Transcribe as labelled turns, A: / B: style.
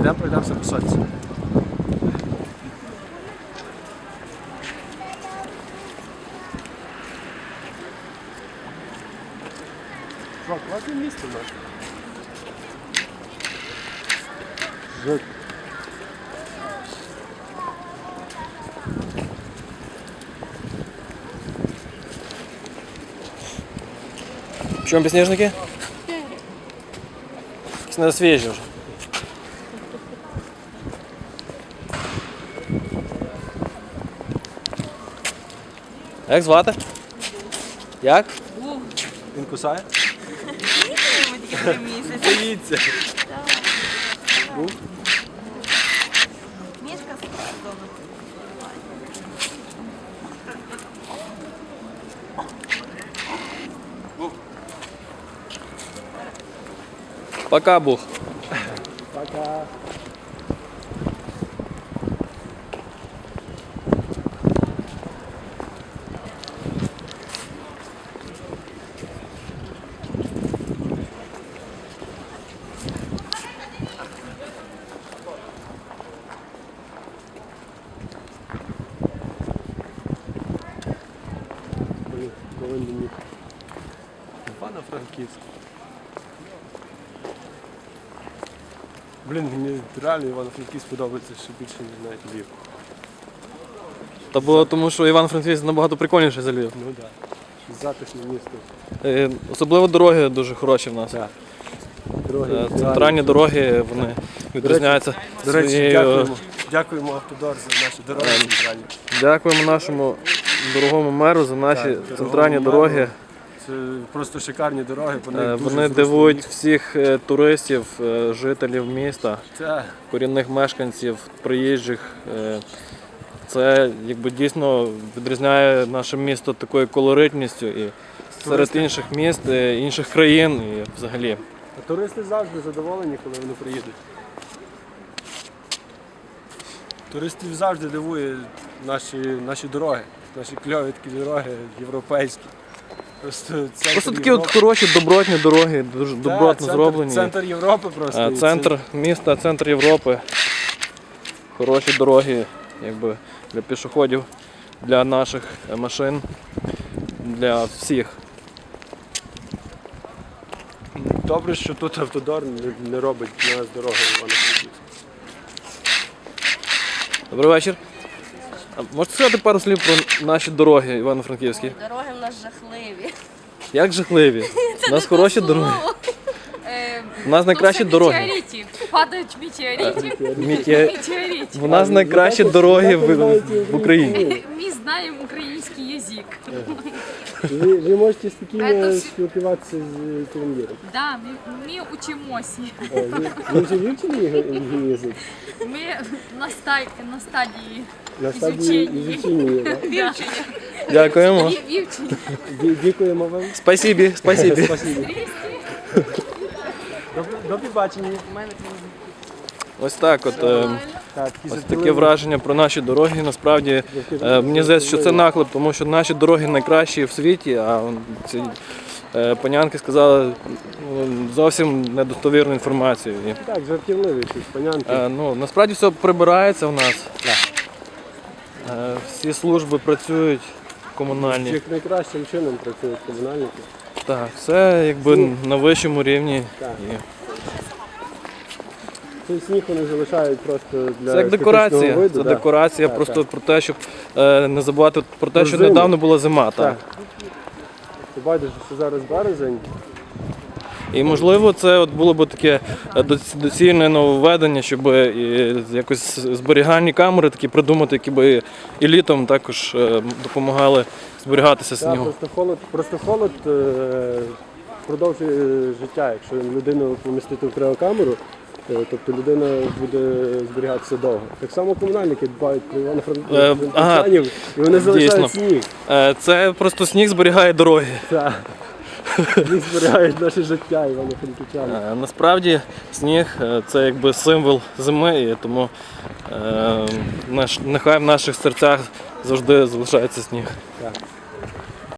A: Йдемо, пройдемося по сонці. Що, класне місце в нас. Жуть.
B: В чому підсніжники? Якісь не свіжі вже. Як звати? Як?
A: Він кусає?
C: Ми тільки 3 місяці.
A: Боїться.
C: Мішка вдома.
B: Пока, Бух.
A: Пока. Блін, Івано-Франківськ. Блін, мені реально Івано-Франківськ подобається ще більше, ніж навіть Львів.
B: Та було тому, що Івано-Франківськ набагато прикольніше за Львів.
A: Ну так. Затишне місто.
B: Особливо дороги дуже хороші в нас.
A: Так. Дороги.
B: Центральні дороги, вони відрізняються
A: До речі,
B: своєю...
A: дякуємо Автодор за наші дороги центральні.
B: Дякуємо нашому дорогому меру за наші
A: Так,
B: центральні
A: дорогому
B: дороги.
A: меру. Це просто шикарні дороги.
B: Вони дивують всіх туристів, жителів міста,
A: Це
B: корінних мешканців, приїжджих. Це якби дійсно відрізняє наше місто такою колоритністю і серед інших міст, інших країн і взагалі.
A: А туристи завжди задоволені, коли вони приїдуть. Туристів завжди дивує наші дороги, наші кльові такі дороги, європейські.
B: Просто такі от хороші, добротні дороги, дуже добротно зроблені.
A: Центр Європи просто.
B: Центр міста, центр Європи. Хороші дороги, якби для пішоходів, для наших машин, для всіх.
A: Добре, що тут Автодор не робить на нас дороги в Івано-Франківськ.
B: Добрий вечір. А можете сказати пару слів про наші дороги івано-франківські?
C: Дороги в нас жахливі.
B: Як жахливі? У нас хороші дороги. У нас найкращі дороги.
D: Метеориті. Падають метеорити. Метеорити.
B: У нас найкращі дороги в Україні.
D: Ми знаємо український язик.
A: Ви можете спокійно
D: Это
A: спілкуватися з командиром.
D: Да, ми учимося.
A: Ви вже вивчили язик?
D: Ми на стадії
A: На стадії
D: изучення.
A: ізучення, так?
D: Вивчення.
B: Дякуємо.
D: Вивчення.
A: Дякуємо вам.
B: Спасибі, спасибі.
A: Спасибо. До побачення.
B: Ось так от.
A: Так,
B: Ось таке враження про наші дороги. Насправді мені здається, що це наклеп, тому що наші дороги найкращі в світі, а ці панянки сказали зовсім недостовірну інформацію.
A: Так, жартівливі ці панянки.
B: Насправді все прибирається в нас. Всі служби працюють комунальні.
A: Як найкращим чином працюють комунальники.
B: Так, все якби на вищому рівні.
A: Так. Цей сніг вони залишають просто для
B: Це як декорація.
A: естетичного виду,
B: Це
A: да.
B: декорація
A: Так,
B: просто
A: так.
B: про те, щоб не забувати про те,
A: Про
B: що
A: зиму.
B: недавно була зима. Так.
A: Ти бачиш, що зараз березень.
B: І можливо це от було б таке доцільне нововведення, щоб якось зберігальні камери такі придумати, які б і літом також допомагали зберігатися
A: Так,
B: снігу.
A: просто холод продовжує життя. Якщо людину помістити в криокамеру, тобто людина буде зберігатися довго. Так само комунальники дбають про івано-франківців, і вони залишають сніг.
B: Це просто сніг зберігає дороги.
A: Так. Сніг зберігає наше життя івано-франківчан.
B: Насправді сніг це якби символ зими, і тому нехай в наших серцях завжди залишається сніг.
A: Так.